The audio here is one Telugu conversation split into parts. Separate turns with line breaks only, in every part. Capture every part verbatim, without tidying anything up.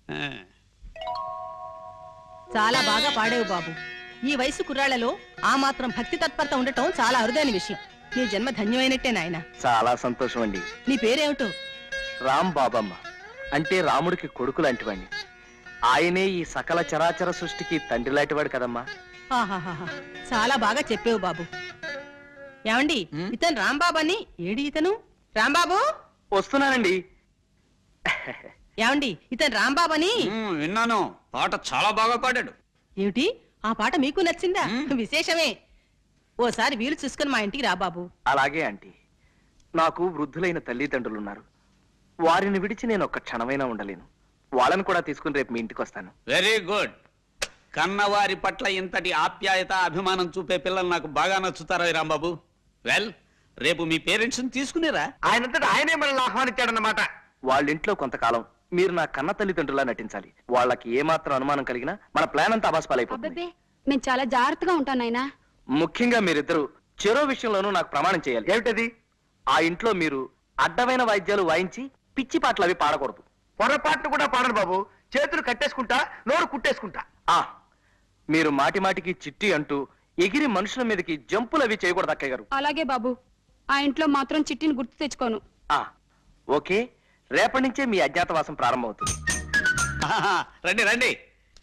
చాలా బాగా పాడేవు బాబు. ఈ వయసు కుర్రాళ్లలో ఆ మాత్రం భక్తి తత్పరత ఉండటం చాలా అరుదైన విషయం. నీ జన్మ ధన్యమైనట్టే నాయన.
చాలా సంతోషం అండి.
నీ పేరేమిటో?
రామ్ బాబమ్మ, అంటే రాముడికి కొడుకు లాంటివాడిని. ఆయనే ఈ సకల చరాచర సృష్టికి తండ్రి లాంటివాడు కదమ్మా.
ఆహాహా, చాలా బాగా చెప్పేవు బాబు. ఏమండి, ఇతను రాంబాబు అని. ఏడి ఇతను? రాంబాబు
వస్తున్నానండి.
ఏమండి, ఇతను రాంబాబు అని
విన్నాను. పాట చాలా బాగా పాడాడు.
ఏమిటి, ఆ పాట మీకు నచ్చిందా? విశేషమే. ఓసారి వీలు చూసుకుని మా ఇంటికి రా బాబు.
అలాగే ఆంటీ. నాకు వృద్ధులైన తల్లిదండ్రులున్నారు. వారిని విడిచి నేను ఒక్క క్షణమైనా ఉండలేను. వాళ్ళని కూడా తీసుకుని రేపు మీ ఇంటికి వస్తాను.
Very good. కన్నవారి పట్ల ఇంతటి ఆప్యాయత అభిమానం చూపే పిల్లలు నాకు బాగా నచ్చుతారా రాంబాబు? వెల్, రేపు మీ పేరెంట్స్ తీసుకునేరా?
ఆయనంతటా ఆయనే మనల్ని ఆహ్వానించాడన్నమాట. వాళ్ళ ఇంట్లో కొంతకాలం మీరు నా కన్న తల్లిదండ్రులా నటించాలి. వాళ్ళకి ఏమాత్రం అనుమానం కలిగినా మన ప్లాన్ అంతా అబాస్పాలైపోతుంది.
మేము చాలా జాగ్రత్తగా ఉంటాం నాయనా.
ముఖ్యంగా మీరిద్దరు చెరో విషయంలోనూ నాకు ప్రమాణం చేయాలి. ఏమిటది? ఆ ఇంట్లో మీరు అడ్డమైన వాయిద్యాలు వాయించి పిచ్చి పాటలు అవి పాడకూడదు. పొరపాట్లు కూడా పాడను బాబు. చేతులు కట్టేసుకుంటా, నోరు కుట్టేసుకుంటా. ఆ మీరు మాటి మాటికి చిట్టి అంటూ ఎగిరి మనుషుల మీదకి జంపులు అవి చేయకూడదు అక్కయ్య గారు.
అలాగే బాబు. ఆ ఇంట్లో మాత్రం చిట్టిని గుర్తు తెచ్చుకోను.
ఆ ఓకే, రేపటి నుంచే మీ అజ్ఞాతవాసం ప్రారంభమవుతుంది.
రండి రండి.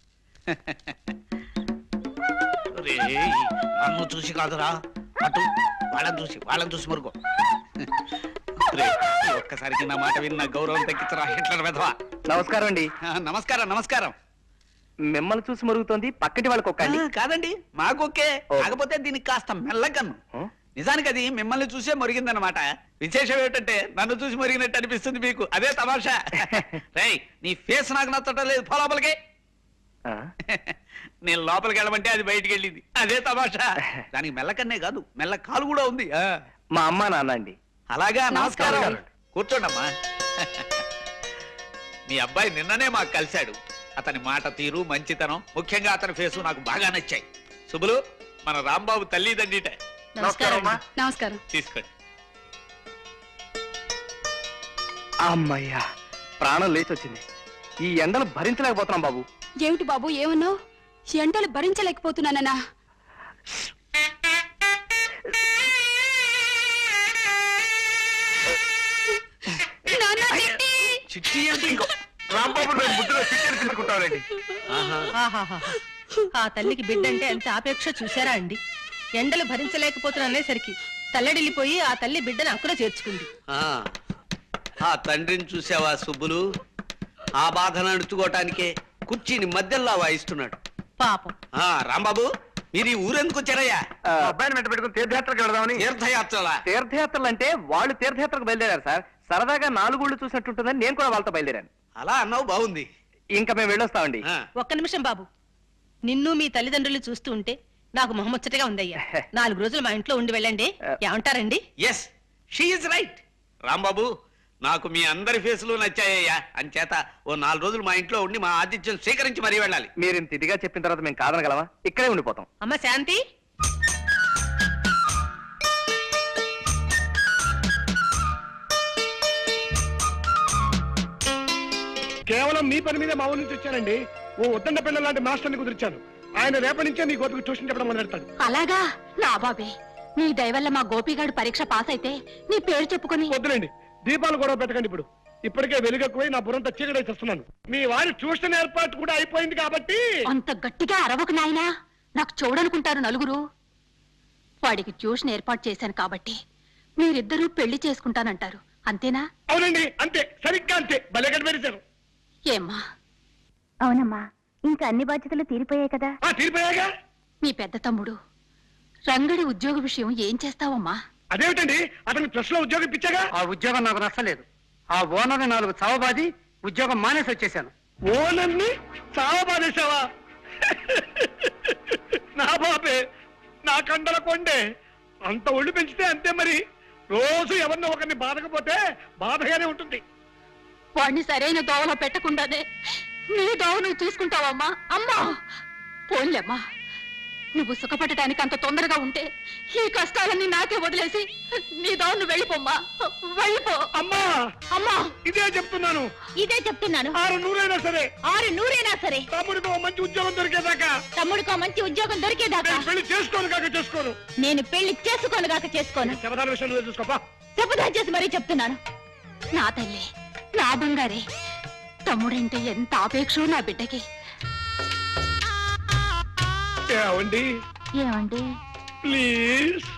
నన్ను చూసి కాదురా, అటు వాళ్ళని చూసి వాళ్ళని చూసి మరుగో. ఒక్కసారికి నా మాట విన్న గౌరవం తగ్గించరా హిట్లర్ వెధవా.
నమస్కారం అండి.
నమస్కారం నమస్కారం.
మిమ్మల్ని చూసి మరుగుతోంది, పక్కటి వాళ్ళకి ఒక్క
కాదండి, మాకొకే. కాకపోతే దీనికి కాస్త మెల్లకన్ను. నిజానికి అది మిమ్మల్ని చూసే మరిగిందనమాట. విశేషం ఏమిటంటే నన్ను చూసి మరిగినట్టు అనిపిస్తుంది మీకు. అదే తమాషా. రై, నీ ఫేస్ నాకు నచ్చటం లేదు. పో లోపలికి. నేను లోపలికి వెళ్ళమంటే అది బయటికి వెళ్ళింది. అదే తమాషా. దానికి మెల్లకన్నే కాదు, మెల్ల కాలు కూడా ఉంది.
మా అమ్మ నాన్న అండి.
అలాగా, నమస్కారం. కూర్చోండమ్మా. మీ అబ్బాయి నిన్ననే మాకు కలిశాడు. అతని మాట తీరు, మంచితనం, ముఖ్యంగా అతని ఫేసు నాకు బాగా నచ్చాయి. శుభులు, మన రాంబాబు తల్లిదండ్రిట.
నమస్కారం.
తీసుకోండి.
అమ్మయ్యా, ప్రాణం లేచి వచ్చింది. ఈ ఎండలు భరించలేకపోతున్నాం బాబు.
ఏమిటి బాబు ఏమన్నావు? ఎండలు భరించలేకపోతున్నానన్నా?
ఆ తల్లికి బిడ్డంటే ఎంత ఆపేక్ష చూసారా అండి? ఎండలు భరించలేకపోతున్నానేసరికి తల్లడిల్లిపోయి ఆ తల్లి బిడ్డను అక్కడ చేర్చుకుంది.
ఆ తండ్రిని చూసావా సుబ్బులు? ఆ బాధను అణుచుకోవటానికే కుర్చీని మధ్యలో వాయిస్తున్నాడు
పాపం.
రాంబాబు, మీరు ఈ ఊరెందుకు వచ్చారయ్యా?
అబ్బాయిని వెంట పెట్టుకుని తీర్థయాత్రకు వెళదామని.
తీర్థయాత్రలా?
తీర్థయాత్రలు అంటే వాళ్ళు తీర్థయాత్రకు బయలుదేరారు సార్. సరదాగా నాలుగుళ్ళు చూసినట్టుంటుందని నేను కూడా వాళ్ళతో బయలుదేరాను.
అలా అన్నావు, బాగుంది.
ఇంకా మేము వెళ్ళొస్తామండి.
ఒక్క నిమిషం బాబు. నిన్ను మీ తల్లిదండ్రులు చూస్తూ ఉంటే నాకు మొహముచ్చటగా ఉందయ్యా. నాలుగు రోజులు మా ఇంట్లో ఉండి వెళ్ళండి. ఏమంటారండి?
Yes, she is right. Rambabu, నాకు మీ అందరి ఫేసులు నచ్చాయ్యా. అంచేత ఓ నాలుగు రోజులు మా ఇంట్లో ఉండి మా ఆతిథ్యం స్వీకరించి మరీ వెళ్ళాలి.
మీరు ఇంత ఇదిగా చెప్పిన తర్వాత మేము కాదనగలమా? ఇక్కడే ఉండిపోతాం.
అమ్మ శాంతి,
కేవలం మీ పని మీద మా ఊరి నుంచి వచ్చానండి. ఓ ఉద్దండ పిల్లల లాంటి మాస్టర్ని కుదిర్చాను. ఆయన రేపటి నుంచే నీ గోపికి ట్యూషన్ చెప్పడం మొదలెడతాడు.
అలాగా? నా బాబే, నీ దయవల్ల మా గోపిగాడు పరీక్ష పాస్ అయితే నీ పేరు చెప్పుకొని.
వద్దులేండి, దీపాలు గొడవ పెట్టకండి. ఇప్పుడు ఇప్పటికే వెలుగెక్కువై నా బుర్రంతా చీకటి చేస్తున్నాను. మీ వారి ట్యూషన్ ఏర్పాటు కూడా అయిపోయింది కాబట్టి.
అంత గట్టిగా అరవకు నాయనా, నాకు చూడనుకుంటారు నలుగురు. వాడికి ట్యూషన్ ఏర్పాటు చేశాను కాబట్టి మీరిద్దరూ పెళ్లి చేసుకుంటానంటారు, అంతేనా?
అవునండి, అంతే, సరిగ్గా అంతే. భలే కనిపెట్టారు.
ఏమ్మా?
అవునమ్మా, ఇంకా అన్ని బాధ్యతలు తీరిపోయాయి కదా.
తీరిపోయాగా.
మీ పెద్ద తమ్ముడు రంగడి ఉద్యోగ విషయం ఏం చేస్తావమ్మా?
అదేమిటండి, అతనికి ప్లస్ లో ఉద్యోగం ఇచ్చాగా.
ఆ ఉద్యోగం నాకు నచ్చలేదు. ఆ ఓనర్ నాలుగు చావబాది ఉద్యోగం మానేసి వచ్చేసాను.
ఓనర్ని చావబాదేశావా? నా బాబే, నా కండల కొండే. అంత ఒళ్ళు పెంచితే అంతే మరి. రోజు ఎవరినో ఒకరిని బాధకపోతే బాధగానే ఉంటుంది.
వాడిని సరైన దోవలో పెట్టకుండానే నీ దోవ నువ్వు చూసుకుంటావమ్మా? అమ్మా పోన్లేమ్మా, నువ్వు సుఖపడటానికి అంత తొందరగా ఉంటే ఈ కష్టాలన్నీ నాకే వదిలేసి నీ దాన్ని వెళ్ళిపోమ్మా, వెళ్ళిపో.
అమ్మా
అమ్మా
ఇదే చెప్తున్నాను,
ఇదే చెప్తున్నాను.
ఆరు నూరైనా సరే
ఆరు నూరైనా సరే
తమ్ముడికి ఓ మంచి ఉద్యోగం దొరికేదాకా
తమ్ముడికో మంచి ఉద్యోగం దొరికేదాకా
నేను పెళ్లి చేసుకోను కాక చేసుకోను.
నేను పెళ్లి చేసుకోను గాక చేసుకోను.
శబదాల విషయం నువ్వే చూసుకోపా.
శపథం చేసి మరీ చెప్తున్నాను. నా తల్లి, నా బంగారే, తమ్ముడంటే ఎంత ఆపేక్షో నా బిడ్డకి.
ఏమండి
ఏమండి
ప్లీజ్